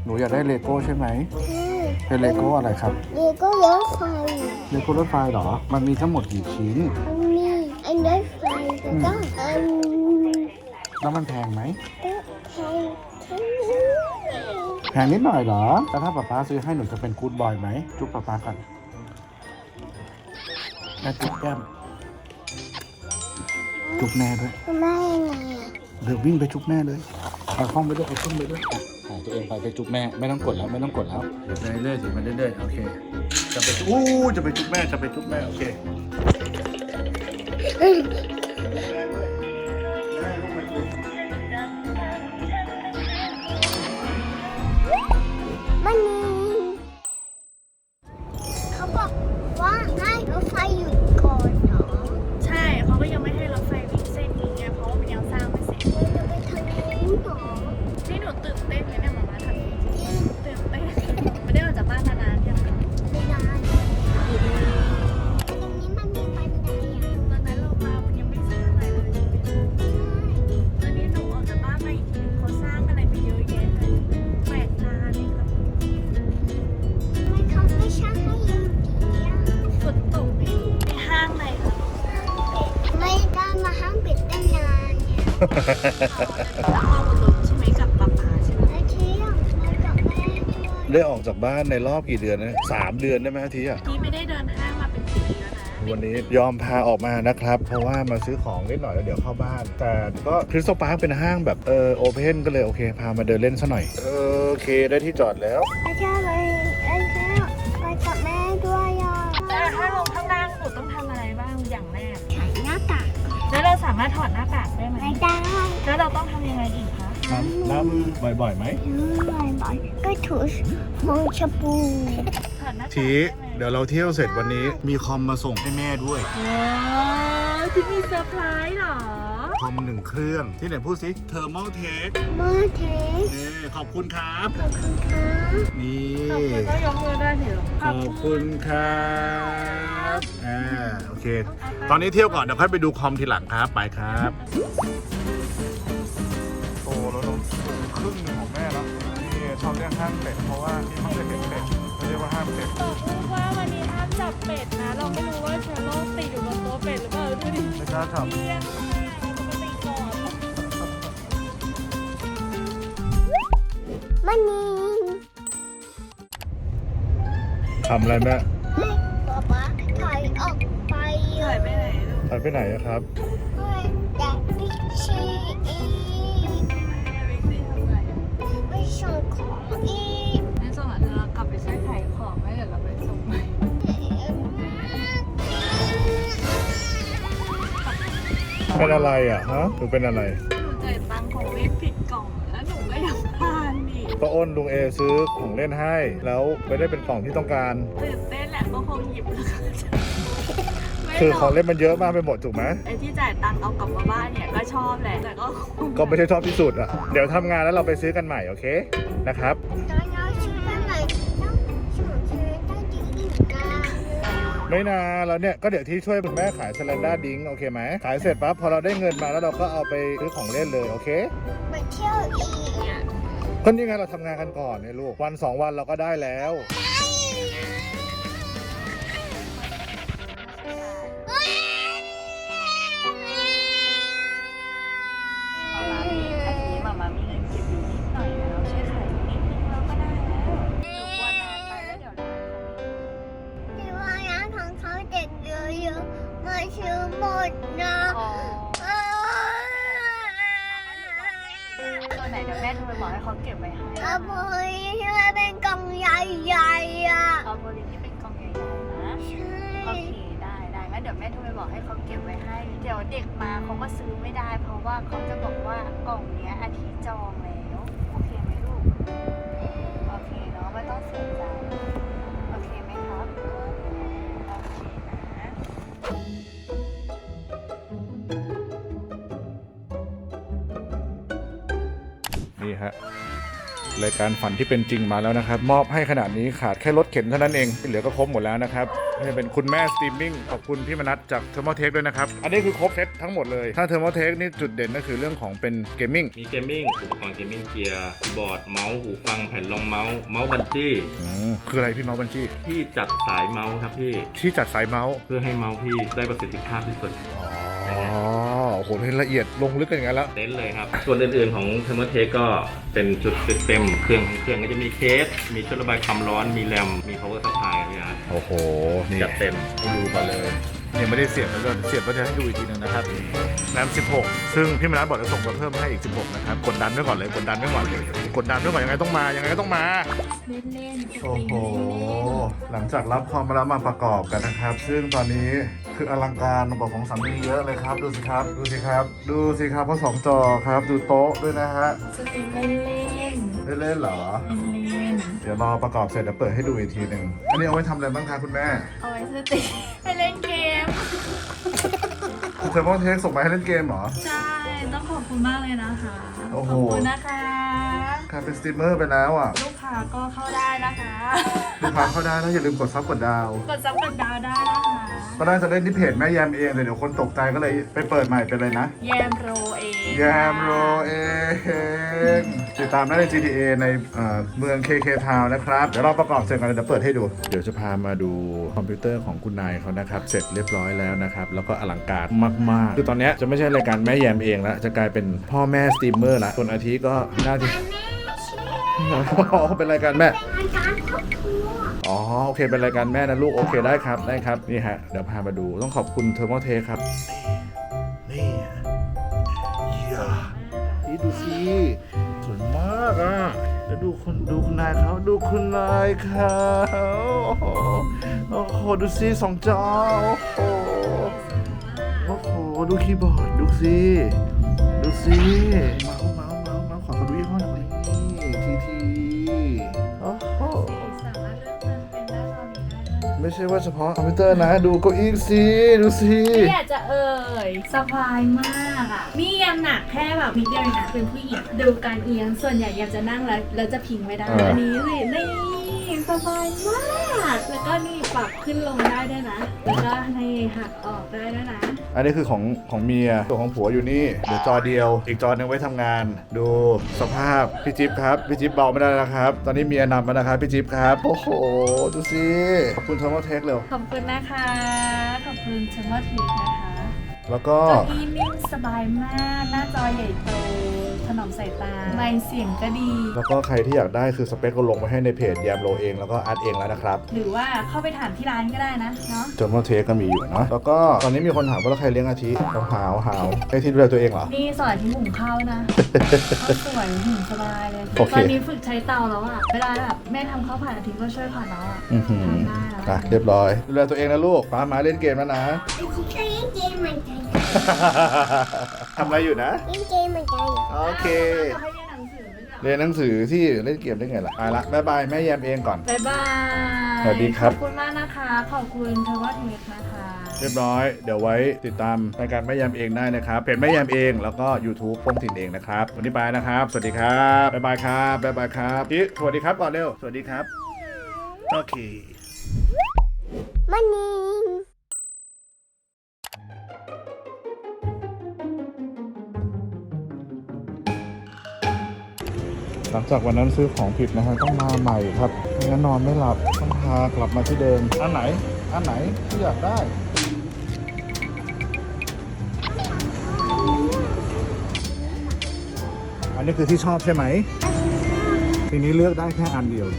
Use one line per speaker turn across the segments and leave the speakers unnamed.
หนูอยากได้เลโก้ใช่ไหมเป็นเลโก้อะไรครับ
เลโก้รถไฟ
เลโก้รถไฟเหรอมันมีทั้งหมดกี่ชิ้น
มันมีอันรถไฟแล้วก็อัน
แล้วมันแพงไหม
แพงทั้งนี้
แพงนิดหน่อยเหรอแล้วถ้าป๊าป๊าซื้อให้หนูจะเป็นกู๊ดบอยไหมจุ๊บป๊าป๊ากันแม่จุ๊บแก้มจุ๊บแม่ด้วย
ทำไมยังไงอ่ะ
เดี๋ยววิ่งไปจุ๊บแม่เลยเอาห้องไปด้วยเอาเครื่องไปด้วยอ่ะตัวเองไปจุ๊บแม่ไม่ต้องกดแล้วไม่ต้องกดแล้วเดี๋ยวไปเรื่อยๆสิมันเรื่อยๆโอเคจะไปจุ๊บจะไปจุ๊บแม่จะไปจุ๊บแม่โอเค
มันมีเขาบอกว่าให้รถไฟหยุดก่อนเหรอ
ใช่เขาก็ยังไม่ให้รถไฟวิ่งเส้นนี้ไงเพราะว่ามันยังสร้างไม่เสร็จ
เราจะไปทางนู้นเหรอ
นี่หนูตื่นเต้นเลยเนี่ยมาทำนี้ตื่นเต้นไม่ได้ออกจากบ้านนานๆยัง
ไม่ได้ตรงนี้มันมีบันไดอ่ะ
ตอนนั้นเรามามันยังไม่สร้างอะไรเลยตอนนี้หนูออกจากบ้านมาอีกทีเขาสร้างอะไรไปเยอะแยะเลยแปลกตาเลยครับ
ทำไมเขาไม่ช่างให้ยืนดีอ่ะ
ฝนตกในห้างเลยค่ะ
ไม่ได้มาห้างปิดตั้งนานเนี่ย
พ่อบนรถใช่ไหมกับป๊าป๊าใช่ไหม
แล้วเที่ยงมากับแม่ด้วย
ได้ออกจากบ้านในรอบกี่เดือนนะ3 เดือนได้ไหมทีอ่ะ
ที่ไม่ได้เดินห้างมาเป็นปีแล้วนะ
วันนี้ยอมพาออกมานะครับ เพราะว่ามาซื้อของนิดหน่อยแล้วเดี๋ยวเข้าบ้าน แต่ก็คริสตัลพาร์คเป็นห้างแบบโอเพนก็เลยโอเคพามาเดินเล่นซะหน่อยโอเคได้ที่จอดแล้ว
แล้วเที่ยวไปกับแม่ด้วยอ่ะ
แต่ถ้าลงข้างล่างหนูต้องทำอะไรบ้างอย่างแรก
ใส่หน้ากาก
แล้วเราสามารถถอดหน้ากากได้ไหม
ไม่ได้
แล้วเราต้องทำยังไงอีกคะ
น้ำมือบ่อยๆไหม
บ่อยๆก็ถูมงชปู
ถอดหน้ากาก
ทีเดี๋ยวเราเที่ยวเสร็จวันนี้มีคอมมาส่งให้แม่ด้วย
ว้าวที่มีเซอร์ไพรส์เหรอ
คอม1 เครื่องที่ไหนพูดสิเทอร์มอลเทค
มาเทส
ขอบคุณครับ
ขอบคุณค่ะ
นี่
ขอบคุณก็ยกมือได้เถอะ
ขอบคุณครับโอเค ตอนนี้เที่ยวก่อนเดี๋ยวค่อยไปดูคอมทีหลังครับ ไปครับโตแล้วน้องครึ่งหนึงของแม่แล้วนี่ชอบเรียกห้ามเป็ดเพราะว่าที่ไม่เคยเห็นเป็ดเรียกว่าห้ามเป็ด
บอกลูกว่าวันนี้ห้ามจับเป็ดนะ เราไม่รู้ว่าเชื้อโรคติดอยู่บนโต๊ะเป็ดหรือเปล่าดูดิ
ไม่กล้าท
เลี้ยงปกติก่อน
มันนี่
ำทำอะไรแม่
ให้ป๊าป๊าถอยออกไป
หายไปไหนลูก
ไปไปไหนอะครับ
ให้แต่พิชชีอีกไปส่งของอีก
ในส่วนหลังเรากลับไปซื้อขายของแล้วเดี๋ยวเราไปส่งใหม่
เป็นอะไรอะฮะหรือเป็นอะไร
หนูจ่ายตังค์ของเล่นผิดกล่องแล้วหนูก็ยังพลาดอีก
ก็อ้นลุงเอซื้อของเล่นให้ แล้วไม่ได้เป็นกล่องที่ต้องการ
ตื่นเต้นแหละก็คงหยิบแล้วก็ไม่
คือ
หร
ของเล่นมันเยอะมากไปหมดถูกไหม
ไอ้ที่จ่ายตังค์เอากลับมาบ้านเนี่ยก็ชอบแหละแต่ก็คง
ก็ไม่ใช่ชอบที่สุดอะเดี๋ยวทำงานแล้วเราไปซื้อกันใหม่โอเคนะครับ
ตอนเราชื่ออะไรต้องส่งเธอได้ดีอีกนะ
ไม่นานแล้วเนี่ยก็เดี๋ยวที่ช่วยคุณแม่ขายสแลนด้าดิ้งโอเคไหมขายเสร็จปั๊บพอเราได้เงินมาแล้วเราก็เอาไปซื้อของเล่นเลยโอเค
ไปเที่ยวอีกอ่ะ
ก็นี่ไงเราทำงานกันก่อนเนี่ยลูกวัน2 วันเราก็ได้แล้ว
มามามีเงินเก็บอยู่นิดหน่อยนะเราช่วยขายนิดนึงเราก็ได้แล้วหนูกลัวนานไปแล้วเดี๋ยวร้านเขาไม่
ที่ว่าร้านของเขาเด็กเยอะๆมาซื้อหมดนะ
อ๋อตัวไหนเดี๋ยวแม่โทรไปบอกให้เขาเก็บไว้ให้
เอาโบยที่มันเป็นกล่องใหญ่ๆอ่ะ
เอาโบลิที่เป็นกล่องใหญ่ๆนะ
ใช่
โอเคได้งั้นเดี๋ยวแม่โทรไปบอกให้เขาเก็บไว้ให้ เดี๋ยวเด็กมาเขาก็ซื้อไม่ได้ เพราะว่าเขาจะบอกว่ากล่องเนี้ยอาทิตย์จองแล้วโอเคไหมลูกโอเคเนาะไม่ต้องเสียใจโอเคไหมครับโอเคนะ
นี่ฮะรายการฝันที่เป็นจริงมาแล้วนะครับมอบให้ขนาดนี้ขาดแค่รถเข็นเท่านั้นเองที่เหลือก็ครบหมดแล้วนะครับนี่เป็นคุณแม่สตรีมมิ่งขอบคุณพี่มนัสจากเทอร์โมเทคด้วยนะครับอันนี้คือครบเซตทั้งหมดเลยถ้าเทอร์โมเทคนี่จุดเด่นก็คือเรื่องของเป็นเกมมิ่ง
มีเกมมิ่งอุปกรณ์เกมมิ่งเกียร์คีย์บอร์ดเมาส์หูฟังแผ่นรองเมาส์เมาส์บันจี้
คืออะไรพี่เมาส์บัญชี
ที่จัดสายเมาส์ครับพี่
ที่จัดสายเมาส์
เพื่อให้เมาส์พี่ได้ประสิทธิภาพที่สุด
อ๋อโอ้โหเห็นละเอียดลงลึกกันอย่างนั้นแล้ว
เต็นท์เลยครับ ส่วนอื่นๆของเทอร์โมเทคก็เป็นจุดเต็มเครื่องของเครื่องก็จะมีเคส มีชุดระบายความร้อนมีแรมมี power supply เนี่ยครับ
โอ้โหนี่
จัดเต็ม
ดูกันเลยยังไม่ได้เสียบแล้วก็เสียบก็จะให้ดูอีกทีนึงนะครับแรม16ซึ่งพี่มนัสบอกจะส่งมาเพิ่มให้อีก16นะครับกดดันไว้ก่อนเลยกดดันไว้ก่อนเลยกดดันไว้ก่อนยังไงต้องมายังไงก็ต้องมา
เล่นๆ
โอ้โหหลังจากรับคอมมาแล้วมาประกอบกันนะครับ ซึ่งตอนนี้คืออลังการระบบของสามีเยอะเลยครับดูสิครับดูสิครับดูสิครับเพราะ2 จอครับดูโต๊ะด้วยนะฮะ
สตรีมเล่น
เล่นๆเหรอ
ๆเล่น
เดี๋ยวรอประกอบเสร็จเดี๋ยวเปิดให้ดูอีกทีหนึ่งอันนี้เอาไว้ทำอะไรบ้างคะคุณแม่
ๆเอาไว้สตรีมไปเล่นเกม
เทอร์โมเทคส่งมาให้เล่นเกมเหรอ
ใช่ ต้องขอบคุณมากเลยนะคะ
โอ้โห
ขอบคุณนะคะ
กลายเป็นสตรีมเมอร์ไปแล้วอ่ะ
ลูกค้าก็เข้าได้นะคะ
ลูกค้าเข้าได้แล้วอย่าลืมกดซับกดดาว
กดซับกดดาวได้นะคะ
ก็ได้จะเล่นที่เพจแม่แยมเองแต่เดี๋ยวคนตกใจก็เลยไปเปิดใหม่เป็นเลยนะ
แยมโรเอง
แยมโรเองติดตามได้ใน GTA ในเมือง KK Town นะครับ เดี๋ยวเราประกอบเสร็จกันเดี๋ยวเปิดให้ดู เดี๋ยวจะพามาดูคอมพิวเตอร์ของคุณนายเขานะครับ เสร็จเรียบร้อยแล้วนะครับ แล้วก็อลังการมากๆ คือตอนนี้จะไม่ใช่รายการแม่แยมเองแล้ว จะกลายเป็นพ่อแม่สตรีมเมอร์ละส่วนอาทิก็น่าจะอ๋อเป็นรายการแม่
อาจารย์ครอบครัว
อ๋อโอเคเป็นรายการแม่นะลูกโอเคได้ครับได้ครับนี่ฮะเดี๋ยวพามาดูต้องขอบคุณเทอร์โมเทครับนี่นี่ดูสิสวยมากอ่ะแล้วดูคุณนายเขาดูคุณนายเขาโอ้โหดูสิ2 จอโอ้โหดูคีย์บอร์ดดูสิเมาส์ขอดูยี่ห้อหน่อยทีโอ้โห
สามารถเลือกเป็นหน้าจอนี้ได้ด้วย
ไม่ใช่ว่าเฉพาะคอมพิวเตอร์นะ ดูเก้าอี้สิดูสิ
ไม่อยากจะเอ่ยสบายมากอ่ะนี่ยังหนักแค่แบบนิดเดียวเองนะเป็นผู้หญิงดูการเอียงส่วนใหญ่ยังจะนั่งแล้วจะพิงไม่ได้อันนี้สินี่สบายมากแล้วก็นี่ปรับขึ้นลงได้ด้วยนะแล้วก็ให้หักออกได้ด้วยนะ
อันนี้คือของเมียตัวของผัวอยู่นี่เดี๋ยวจอเดียวอีกจอหนึงไว้ทำงาน ดูสภาพพี่จิ๊บครับพี่จิ๊บเบาไม่ได้แล้วครับตอนนี้เมียนำมานะครับพี่จิ๊บครับโอ้โหดูสิขอบคุณเทอร์โมเทคเร็ว
ขอบคุณนะคะขอบคุณเชมเมอร์ทีนะคะ
แล้วก็
เก้าอี้นิ่มสบายมากหน้าจอใหญ่โตถนอมสายตาไมค์เสียงก็ดี
แล้วก็ใครที่อยากได้คือสเปคก็ลงไว้ให้ในเพจแยมโลเองแล้วก็อาร์ตเองแล้วนะครับ
หรือว่าเข้าไปถามที่ร้านก็ได้นะเนาะ
เทอร์โมเทคก็มีอยู่เนาะแล้วก็ตอนนี้มีคนถามว่าแล้วใครเลี้ยงอาทิหาวให้ที่ดูแลตัวเองเหรอ
นี่สอนที่หุงข้าวนะ ข้าวสวยหุงสบายเลย
โอเค
ตอนนี้ฝึกใช้เตาแล้วอะเวลาแบบแม่ทำข้าวผัดอาทิตย์ก็ช่วยผัดแล้วอะ
อือหือ
ทำได้แล้ว
อ่ะเรียบร้อยดูแลตัวเองนะลูกป้ามาเล่นเกมแล้วนะ
อาทิตย์ก็เล่นเกมเหมือนกัน
ทำอะไรอยู่นะ
เล่นเกมเหมือนกัน
โอเค
จะให้เรียนหนังสือไหมจ๊ะ
เรียนหนังสือที่เล่นเกมได้ไงล่ะไปละบ๊ายบายแม่แยมเองก่อน
บ๊ายบาย
สวัสดีครับ
ขอบคุณมากนะคะ ขอบคุณเทวเทคนะคะ
เรียบร้อยเดี๋ยวไว้ติดตามรายการแม่แยมเองได้นะครับเพจแม่แยมเองแล้วก็ YouTube โป้งถิ่นเองนะครับวันนี้ไปนะครับสวัสดีครับบ๊ายบายครับบ๊ายบายครับพี่สวัสดีครับก่อนเร็วสวัสดีครับโอเค
มันนี่
หลังจากวันนั้นซื้อของผิดนะฮะต้องมาใหม่ครับไม่งั้นนอนไม่หลับต้องพากลับมาที่เดิมอันไหนที่อยากได้อันนี้คือที่ชอบใช่ไหมทีนี้เลือกได้แค่อันเดียว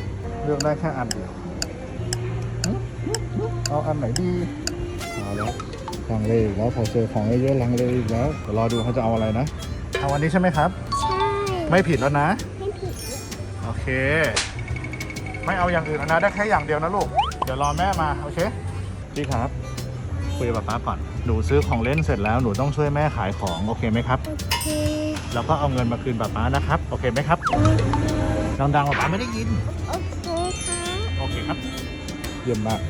เอาอันไหนดีเอาแล้วลังเลอีกแล้วพอเจอของเยอะๆลังเลอีกแล้วเดี๋ยวรอดูเขาจะเอาอะไรนะเอาอันนี้ใช่ไหมครับ
ใช่
ไม่ผิดแล้วนะ
ไม่ผิด
โอเค ไม่เอาอย่างอื่นแล้วนะได้แค่อย่างเดียวนะลูกเดี๋ยวรอแม่มาโอเคพี่ครับคุยกับป๊าก่อนหนูซื้อของเล่นเสร็จแล้วหนูต้องช่วยแม่ขายของโอเคไหมครับ
โอเค
แล้วก็เอาเงินมาคืนป๊านะครับโอเคไหมครับดังๆป๊าไม่ได้ยิน
โอเคค่ะ
โอเคครับเยี่ยมมาก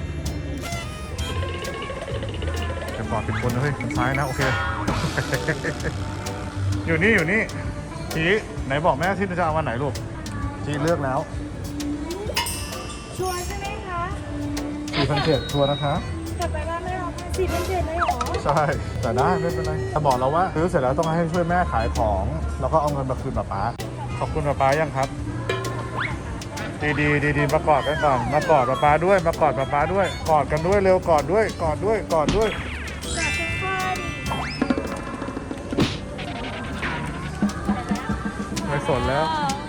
จะบอกเป็นคนนะเฮ้ยทางซ้ายนะโอเค อยู่นี่ทีไหนบอกแม่ที่จะเอาวันไหนลูกจีเลือกแล้ว
ชัวร์ใช่ไหมคะ
4,700ชัวร์นะคะ
กลับไปบ้านไม่ร้องไห้4,700เลยเหรอ
ใช่ แต่ได้ไม่เป็นไรแต่บอกเราว่าซื้อเสร็จแล้วต้องให้ช่วยแม่ขายของ แล้วก็เอาเงินมาคืนป๊าขอบคุณป๊ายังครับ ดีมากอดกันก่อน มากอดป๊าด้วย มากอดป๊าด้วย กอดกันด้วยเร็วกอดด้วย กอดด้วย กอดด้วย
จับคุณพ่อดิ
ไม่สนแล้ว
อ๋อ